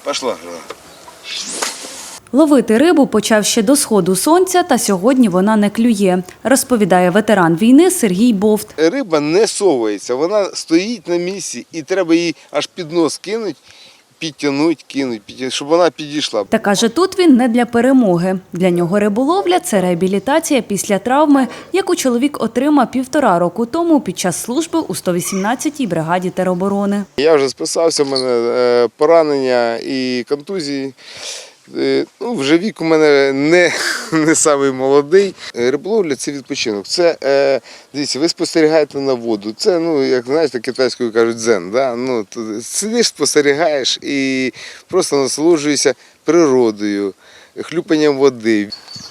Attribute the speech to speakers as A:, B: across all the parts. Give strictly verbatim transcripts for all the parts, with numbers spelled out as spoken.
A: Пішла.
B: Ловити рибу почав ще до сходу сонця, та сьогодні вона не клює, розповідає ветеран війни Сергій Бовт.
A: Риба не совається, вона стоїть на місці і треба її аж під нос кинути, підтягнути, кинути, щоб вона підійшла.
B: Та каже, тут він не для перемоги. Для нього риболовля – це реабілітація після травми, яку чоловік отримав півтора року тому під час служби у сто вісімнадцятій бригаді тероборони.
A: Я вже списався, в мене поранення і контузії. Ну, вже вік у мене не, не самий молодий. Риболовля – це відпочинок. Це, е, дивіться, ви спостерігаєте на воду. Це, ну, як знаєте, китайською кажуть, дзен. Да? Ну, сидиш, спостерігаєш і просто насолоджуєшся природою, хлюпанням води.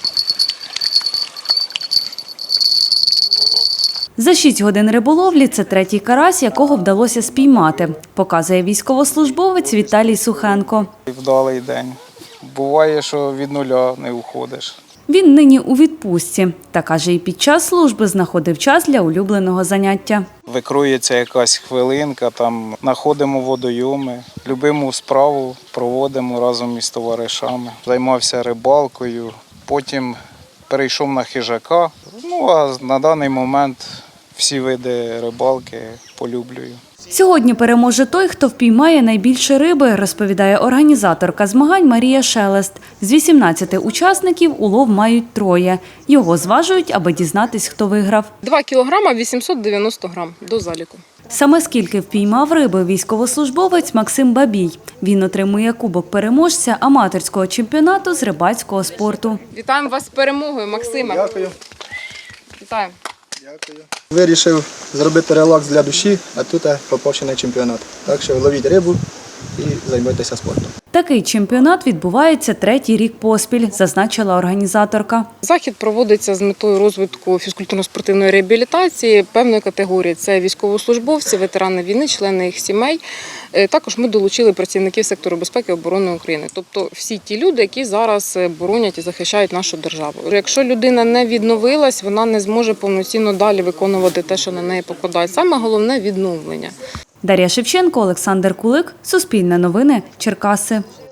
B: За шість годин риболовлі – це третій карась, якого вдалося спіймати, показує військовослужбовець Віталій Сухенко.
C: Вдалий день. Буває, що від нуля не уходиш.
B: Він нині у відпустці. Та, каже, і під час служби знаходив час для улюбленого заняття.
C: Викрується якась хвилинка, там знаходимо водойоми, любиму справу проводимо разом із товаришами. Займався рибалкою, потім перейшов на хижака. Ну, а на даний момент всі види рибалки полюблюю.
B: Сьогодні переможе той, хто впіймає найбільше риби, розповідає організаторка змагань Марія Шелест. З вісімнадцяти учасників улов мають троє. Його зважують, аби дізнатись, хто виграв.
D: два кілограми вісімсот дев'яносто грам до заліку.
B: Саме скільки впіймав риби військовослужбовець Максим Бабій. Він отримує кубок переможця аматорського чемпіонату з рибацького спорту.
D: Вітаємо вас з перемогою, Максиме.
E: Дякую.
D: Вітаємо.
E: Дякую. Вирішив зробити релакс для душі, а тут попав ще на чемпіонат. Так що ловіть рибу і займайтеся спортом.
B: Такий чемпіонат відбувається третій рік поспіль, зазначила організаторка.
D: Захід проводиться з метою розвитку фізкультурно-спортивної реабілітації певної категорії. Це військовослужбовці, ветерани війни, члени їх сімей. Також ми долучили працівників сектору безпеки і оборони України. Тобто всі ті люди, які зараз боронять і захищають нашу державу. Якщо людина не відновилась, вона не зможе повноцінно далі виконувати те, що на неї покладають. Саме головне – відновлення.
B: Дар'я Шевченко, Олександр Кулик, Суспільне новини, Черкаси.